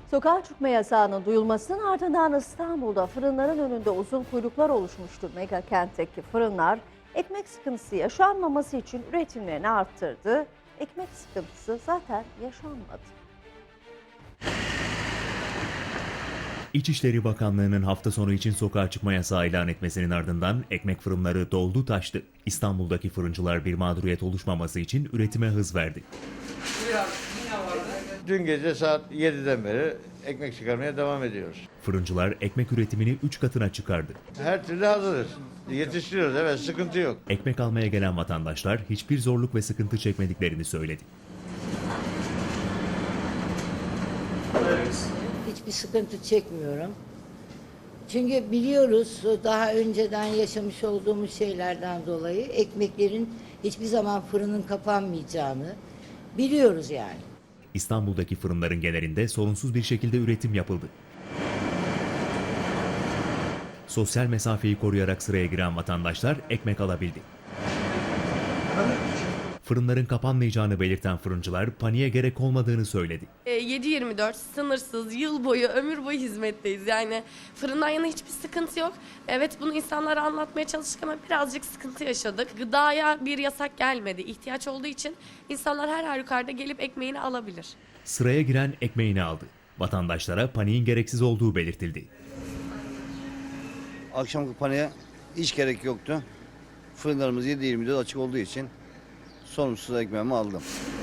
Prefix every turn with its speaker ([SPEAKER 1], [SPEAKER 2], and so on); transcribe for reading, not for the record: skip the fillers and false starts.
[SPEAKER 1] Sokağa çıkma yasağının duyulmasının ardından İstanbul'da fırınların önünde uzun kuyruklar oluşmuştu. Mega kentteki fırınlar ekmek sıkıntısı yaşanmaması için üretimlerini arttırdı. Ekmek sıkıntısı zaten yaşanmadı.
[SPEAKER 2] İçişleri Bakanlığı'nın hafta sonu için sokağa çıkma yasağı ilan etmesinin ardından ekmek fırınları doldu taştı. İstanbul'daki fırıncılar bir mağduriyet oluşmaması için üretime hız verdi.
[SPEAKER 3] Dün gece saat 7'den beri ekmek çıkarmaya devam ediyoruz.
[SPEAKER 2] Fırıncılar ekmek üretimini 3 katına çıkardı.
[SPEAKER 3] Her türlü hazırız. Yetiştiriyoruz, evet, sıkıntı yok.
[SPEAKER 2] Ekmek almaya gelen vatandaşlar hiçbir zorluk ve sıkıntı çekmediklerini söyledi.
[SPEAKER 4] Hiçbir sıkıntı çekmiyorum. Çünkü biliyoruz daha önceden yaşamış olduğumuz şeylerden dolayı ekmeklerin hiçbir zaman fırının kapanmayacağını biliyoruz yani.
[SPEAKER 2] İstanbul'daki fırınların genelinde sorunsuz bir şekilde üretim yapıldı. Sosyal mesafeyi koruyarak sıraya giren vatandaşlar ekmek alabildi. Fırınların kapanmayacağını belirten fırıncılar paniğe gerek olmadığını söyledi.
[SPEAKER 5] 7/24 sınırsız, yıl boyu, ömür boyu hizmetteyiz. Yani fırından yana hiçbir sıkıntı yok. Evet, bunu insanlara anlatmaya çalıştık ama birazcık sıkıntı yaşadık. Gıdaya bir yasak gelmedi. İhtiyaç olduğu için insanlar her halükarda gelip ekmeğini alabilir.
[SPEAKER 2] Sıraya giren ekmeğini aldı. Vatandaşlara paniğin gereksiz olduğu belirtildi.
[SPEAKER 6] Akşamki paniğe hiç gerek yoktu. Fırınlarımız 7/24 açık olduğu için sorumsuz ekmeğimi aldım.